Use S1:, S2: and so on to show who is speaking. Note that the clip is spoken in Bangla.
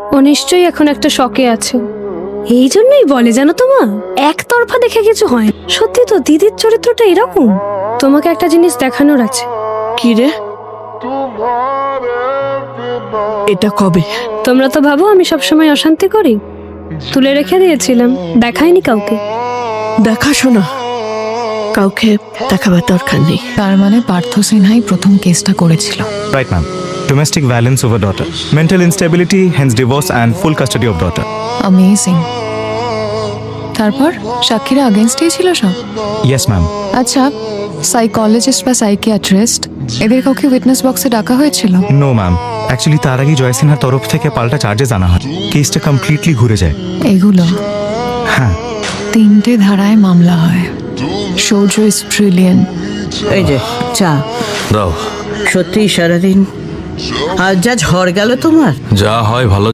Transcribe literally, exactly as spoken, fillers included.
S1: ও নিশ্চয়ই এখন একটা শকে আছে। এই জন্যই বলে জানো তো মা, একতরফা দেখে কিছু হয় না। সত্যি তো দিদির চরিত্রটা এরকম। তোমাকে একটা জিনিস দেখানোর আছে।
S2: কি রে? এটা কবে?
S1: তোমরা তো ভাবো আমি সবসময় অশান্তি করি, তুলে রেখে দিয়েছিলাম, দেখাইনি কাউকে।
S2: দেখাশোনা কাউকে দেখাবার দরকার নেই।
S3: তার মানে পার্থ সিনহাই প্রথম কেসটা করেছিল।
S4: Right, ma'am. Domestic violence over daughter. Mental instability, hence divorce and full custody of daughter.
S3: Amazing. তারপর সাক্ষীরা আগেনস্টেই ছিল সব।
S4: Yes, ma'am.
S3: আচ্ছা, সাইকোলজিস্ট বা সাইকিয়াট্রিস্ট এদের কাউকে উইটনেস বক্সে ডাকা হয়েছিল?
S4: No, ma'am. অ্যাকচুয়ালি তার আগে জয় সিনহার তরফ থেকে পাল্টা চার্জেস আনা হয়, কেসটা কমপ্লিটলি ঘুরে যায়।
S3: এগুলো
S4: হ্যাঁ,
S3: তিনটে ধারায় মামলা হয়। Shaurya is brilliant.
S5: এই যে চা।
S6: দাও।
S5: সত্যি সারাদিন আজ যা ঝড় গেল তোমার।
S6: যা হয় ভালো